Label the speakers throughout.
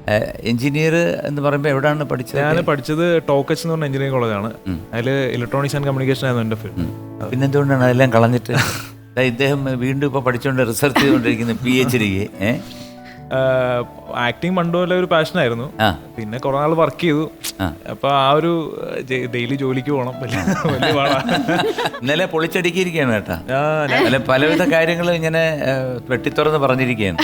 Speaker 1: Engineer എന്ന് പറയുമ്പോൾ എവിടെയാണ് പഠിച്ചത്?
Speaker 2: ഞാൻ പഠിച്ചത് ടോക്കച്ച് എന്ന് പറഞ്ഞ എഞ്ചിനീയറിംഗ് കോളേജാണ്. അതിൽ ഇലക്ട്രോണിക്സ് ആൻഡ് കമ്മ്യൂണിക്കേഷൻ ആയിരുന്നു എൻ്റെ ഫീൽഡ്.
Speaker 1: പിന്നെന്തുകൊണ്ടാണ് അതെല്ലാം കളഞ്ഞിട്ട് ഇദ്ദേഹം വീണ്ടും ഇപ്പോൾ പഠിച്ചുകൊണ്ട് റിസർച്ച് ചെയ്തുകൊണ്ടിരിക്കുന്നു PhD?
Speaker 2: ആക്ടിങ് പണ്ടുപോലെ ഒരു പാഷനായിരുന്നു. പിന്നെ കുറെ നാൾ വർക്ക് ചെയ്തു. അപ്പൊ ആ ഒരു ഡെയിലി ജോലിക്ക് പോകണം, വലിയ പാടാണ്.
Speaker 1: ഇന്നലെ പൊളിച്ചടുക്കിയിരിക്കുകയാണ് കേട്ടാ. അല്ല, പലവിധ കാര്യങ്ങളും ഇങ്ങനെ വെട്ടിത്തുറന്ന് പറഞ്ഞിരിക്കുകയാണ്.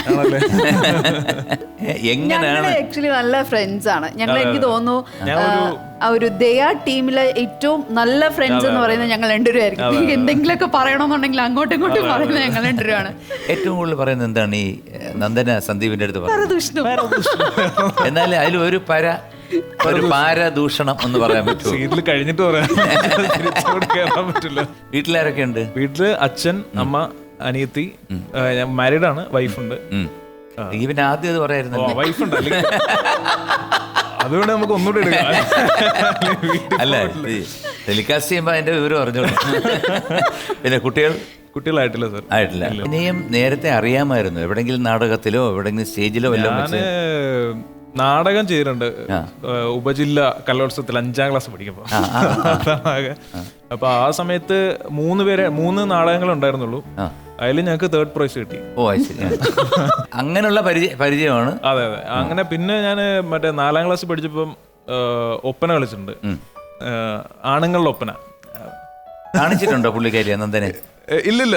Speaker 3: എങ്ങനെയാണ് ആക്ച്വലി നല്ല ഫ്രണ്ട്സ് ആണ് ഞങ്ങൾ. എനിക്ക് തോന്നുന്നു ഒരു ദയാ ടീമിലെ ഏറ്റവും നല്ല ഫ്രണ്ട്സ് എന്ന് പറയുന്നത് ഞങ്ങൾ രണ്ടുപേരായിരിക്കും. എന്തെങ്കിലുമൊക്കെ പറയണമെന്നുണ്ടെങ്കിൽ അങ്ങോട്ടും ഇങ്ങോട്ടും പറയുന്നത് ഞങ്ങൾ രണ്ടുപേരാണ്. ഏറ്റവും
Speaker 1: കൂടുതൽ പറയുന്നത് എന്താണ് ഈ നന്ദന സന്ദീപിന്റെ അടുത്ത് എന്നാലും അതിൽ ഒരു പാരദൂഷണം എന്ന് പറയാൻ പറ്റുമോ?
Speaker 2: കഴിഞ്ഞിട്ട് പറയാൻ പറ്റില്ല.
Speaker 1: വീട്ടിലാരൊക്കെ ഉണ്ട്?
Speaker 2: വീട്ടില് അച്ഛൻ, അമ്മ, അനിയത്തി. ഞാൻ മാരീഡ് ആണ്, വൈഫുണ്ട്.
Speaker 1: പിന്നെ ആദ്യം അത് പറയായിരുന്നു,
Speaker 2: വൈഫുണ്ട്. അതുകൊണ്ട് നമുക്ക് ഒന്നുകൂടെ എടുക്കാം.
Speaker 1: അല്ല, ടെലികാസ്റ്റ് ചെയ്യുമ്പോ അതിന്റെ വിവരം അറിഞ്ഞോളൂ. പിന്നെ
Speaker 2: കുട്ടികളായിട്ടില്ല സർ.
Speaker 1: ആയിട്ടില്ല. ഇനിയും നേരത്തെ അറിയാമായിരുന്നു എവിടെങ്കിലും നാടകത്തിലോ എവിടെങ്കിലും സ്റ്റേജിലോ വല്ലതും?
Speaker 2: നാടകം ചെയ്തിട്ടുണ്ട്. ഉപജില്ല കലോത്സവത്തിൽ 5ാം ക്ലാസ് പഠിക്കുമ്പോൾ. അപ്പൊ ആ സമയത്ത് 3 നാടകങ്ങൾ ഉണ്ടായിരുന്നുള്ളൂ. അതിൽ ഞങ്ങൾക്ക് 3rd പ്രൈസ് കിട്ടി.
Speaker 1: അങ്ങനെയുള്ള പരിചയമാണ്.
Speaker 2: അതെ. അങ്ങനെ പിന്നെ ഞാൻ മറ്റേ 4ാം ക്ലാസ് പഠിച്ചപ്പം ഒപ്പന കളിച്ചിട്ടുണ്ട്. ആണുങ്ങളുടെ ഒപ്പന
Speaker 1: കാണിച്ചിട്ടുണ്ടോ പുള്ളിക്കാരി നന്ദനെ?
Speaker 2: ഇല്ലില്ല.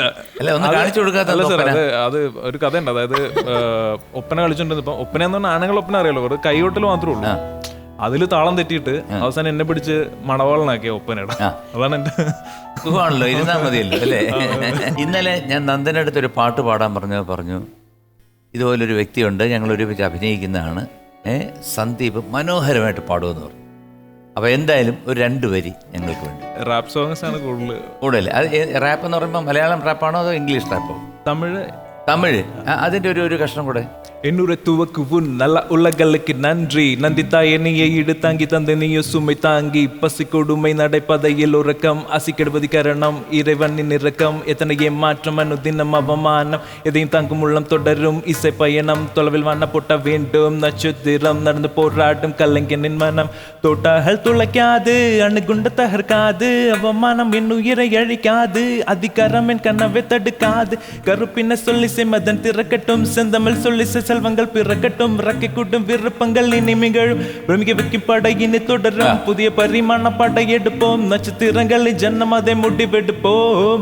Speaker 1: അത്
Speaker 2: ഒരു കഥയുണ്ട്. അതായത് ഒപ്പന കളിച്ചോണ്ടിരുന്ന ഇപ്പൊ ഒപ്പന എന്ന് പറഞ്ഞാൽ ആണുങ്ങൾ ഒപ്പന അറിയാലോ, ഒരു കൈകൊട്ടൽ മാത്രമേ ഉള്ളൂ. അതില് താളം തെറ്റിയിട്ട് അവസാനം എന്നെ പിടിച്ച് മണവാളനാക്കിയ ഒപ്പനയുടെ. അതാണ് എന്റെ
Speaker 1: സുഖമാണല്ലോ, ഇരുന്നാ മതിയല്ലോ അല്ലേ? ഇന്നലെ ഞാൻ നന്ദൻ്റെ അടുത്ത് ഒരു പാട്ട് പാടാൻ പറഞ്ഞു ഇതുപോലൊരു വ്യക്തിയുണ്ട്, ഞങ്ങൾ ഒരുമിച്ച് അഭിനയിക്കുന്നതാണ്, സന്ദീപ് മനോഹരമായിട്ട് പാടുമെന്ന് പറഞ്ഞു. അപ്പൊ എന്തായാലും ഒരു 2 വരി ഞങ്ങൾക്ക് വേണ്ടി.
Speaker 2: റാപ്പ് സോങ്സ് ആണ്
Speaker 1: കൂടുതൽ. അത് റാപ്പ് എന്ന് പറയുമ്പോൾ മലയാളം റാപ്പാണോ അതോ ഇംഗ്ലീഷ് റാപ്പോ? തമിഴ്. അതിന്റെ ഒരു കഷ്ണം കൂടെ.
Speaker 2: என்னுரைத்துவக்கு உன் நல்ல உலகளுக்கு நன்றி நந்தித்தா என்னையை இடு தாங்கி தந்தை நீயோ சுமை தாங்கி பசி கொடுமை நடைப்பதையில் உறக்கம் அசி கெடுவது கரணம் இறைவனின் இறக்கம் எத்தனை ஏமாற்றம் அனுதினம் அவமானம் எதையும் தாங்கும் உள்ளம் தொடரும் இசை பயணம் தொலைவில் வண்ண போட்ட வேண்டும் நட்சத்திரம் நடந்து போராடும் கலைஞனின் மனம் தோட்டாகள் துளைக்காது அணுகுண்ட தகர்க்காது அவமானம் என் உயிரை அழிக்காது அதிகாரம் என் கனவை தடுக்காது கருப்பின சொல்லி செம்மதன் திறக்கட்டும் செந்தமிழ் சொல்லி செல்வங்கள் பிறக்கட்டும் ரக்கை கூட்டும் விருப்பங்கள் இனிமைகளும் பிரமிக்க வைக்கும் படையினை தொடரும் புதிய பரிமாண படையெடுப்போம் நட்சத்திரங்களை ஜன்னம் அதை முடிவெடுப்போம்.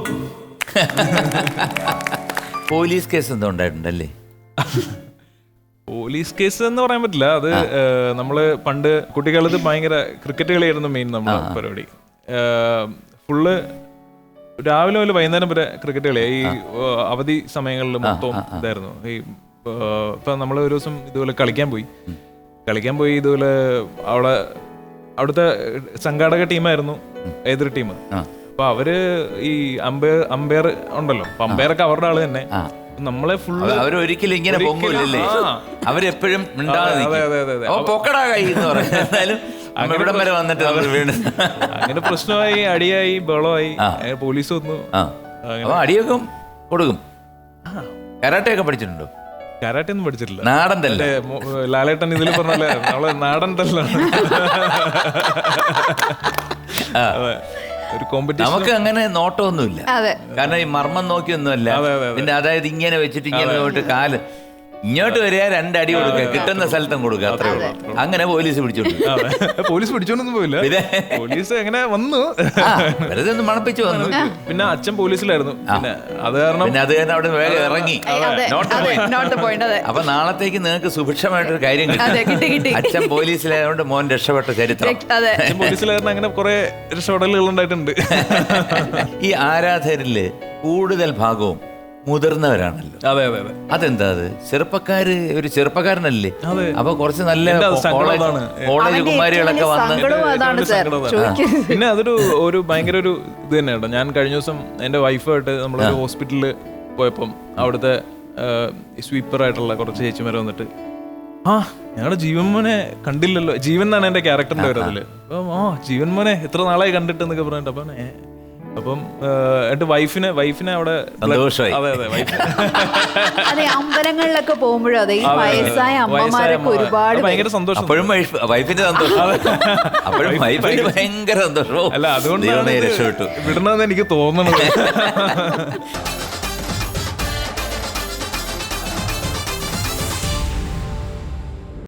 Speaker 1: പോലീസ് കേസ് എന്തോ ഉണ്ടായിട്ടുണ്ടല്ലേ?
Speaker 2: പോലീസ് കേസ് എന്ന് പറയാൻ പറ്റില്ല. അത് നമ്മള് പണ്ട് കുട്ടിക്കാലത്ത് ഭയങ്കര ക്രിക്കറ്റ് കളിയായിരുന്നു മെയിൻ നമ്മുടെ പരിപാടി. ഫുള്ള് രാവിലെ മുതൽ വൈകുന്നേരം വരെ ക്രിക്കറ്റ് കളിയായി. ഈ അവധി സമയങ്ങളിൽ മൊത്തം ഇതായിരുന്നു. ഈ ഇപ്പൊ നമ്മൾ ഒരു ദിവസം ഇതുപോലെ കളിക്കാൻ പോയി ഇതുപോലെ അവിടുത്തെ സംഘാടക ടീമായിരുന്നു എതിർ ടീം. അപ്പൊ അവര് ഈ അമ്പയർ ഉണ്ടല്ലോ, അപ്പൊ അമ്പയറൊക്കെ അവരുടെ ആള് തന്നെ. നമ്മളെ ഫുള്ള്
Speaker 1: അവരൊരിക്കലും ഇങ്ങനെ പൊങ്ങില്ലല്ലേ, അവരെപ്പോഴും
Speaker 2: അങ്ങനെ പ്രശ്നമായി, അടിയായി, ബഹളമായി, പോലീസ് വന്നു.
Speaker 1: അടിയൊക്കെ കൊടുക്കും. കരാട്ടയൊക്കെ പഠിച്ചിട്ടുണ്ടോ?
Speaker 2: കരാട്ടെ ഒന്നും പഠിച്ചിട്ടില്ല.
Speaker 1: നാടൻ തന്നെ.
Speaker 2: ലാലേട്ടൻ ഇതിൽ പറഞ്ഞല്ലേ നമ്മളെ നാടൻ തല്ലാണ്. ഒരു കോമ്പറ്റീഷൻ
Speaker 1: നമുക്ക് അങ്ങനെ നോട്ടമൊന്നുമില്ല, കാരണം ഈ മർമ്മം നോക്കിയൊന്നുമല്ല. പിന്നെ അതായത് ഇങ്ങനെ വെച്ചിട്ട് ഇങ്ങനെ പോയിട്ട് കാല് ഇങ്ങോട്ട് വരിക, 2 അടി കൊടുക്കുക, കിട്ടുന്ന സ്ഥലത്തും കൊടുക്കുക, അത്രേ ഉള്ളൂ. അങ്ങനെ പോലീസ്
Speaker 2: പിടിച്ചോണ്ടൊന്നും പോയില്ല. പോലീസ് എങ്ങനെ വന്നു,
Speaker 1: വെറുതെ ഒന്ന് മണപ്പിച്ചു വന്നു.
Speaker 2: പിന്നെ അച്ഛൻ പോലീസിലായിരുന്നു. പിന്നെ അത് കാരണം
Speaker 1: അവിടെ വേഗം ഇറങ്ങി. അപ്പൊ നാളത്തേക്ക് നിങ്ങൾക്ക് സുഭിക്ഷമായിട്ടൊരു കാര്യം കിട്ടി. അച്ഛൻ പോലീസിലായതുകൊണ്ട് മോൻ രക്ഷപ്പെട്ട ചരിത്രം.
Speaker 2: അച്ഛൻ പോലീസിലായിരുന്നു. അങ്ങനെ കുറെ രക്ഷപ്പെടലുകൾ ഉണ്ടായിട്ടുണ്ട്.
Speaker 1: ഈ ആരാധകരില് കൂടുതൽ ഭാഗവും മുതിർന്നവരാണല്ലോ.
Speaker 2: അതെ.
Speaker 1: അതെന്താ? അത് ഒരു ചെറുപ്പക്കാരനല്ലേ, അപ്പൊ കുറച്ച് നല്ല കോളേജ് കുമാരികളൊക്കെ വന്ന്.
Speaker 2: പിന്നെ അതൊരു ഭയങ്കര ഒരു ഇത് തന്നെയാണ്. ഞാൻ കഴിഞ്ഞ ദിവസം എന്റെ വൈഫായിട്ട് നമ്മളൊരു ഹോസ്പിറ്റലിൽ പോയപ്പം അവിടുത്തെ സ്വീപ്പറായിട്ടുള്ള കുറച്ച് ചേച്ചിമാരെ വന്നിട്ട്, ഞങ്ങളുടെ ജീവൻ മോനെ കണ്ടില്ലല്ലോ. ജീവൻ എന്നാണ് എന്റെ ക്യാരക്ടറിന്റെ പേര് അതില്. ജീവൻ മോനെ എത്ര നാളായി കണ്ടിട്ട് എന്നൊക്കെ പറഞ്ഞിട്ട്, അപ്പൊ അപ്പം എന്റെ വൈഫിനെ അവിടെ
Speaker 1: സന്തോഷമായി.
Speaker 2: അതെ വൈഫ്
Speaker 3: അതെ, അമ്പലങ്ങളിലൊക്കെ പോകുമ്പോഴും അതെ, ഈ വയസ്സായ അമ്മമാരൊക്കെ ഒരുപാട്
Speaker 2: ഭയങ്കര സന്തോഷം.
Speaker 1: അപ്പോഴും വൈഫിന്റെ സന്തോഷം, അപ്പോഴും വൈഫിന് ഭയങ്കര സന്തോഷവും.
Speaker 2: അല്ല അതുകൊണ്ട്
Speaker 1: രക്ഷപ്പെട്ടു
Speaker 2: വിടണമെന്ന് എനിക്ക് തോന്നണത്.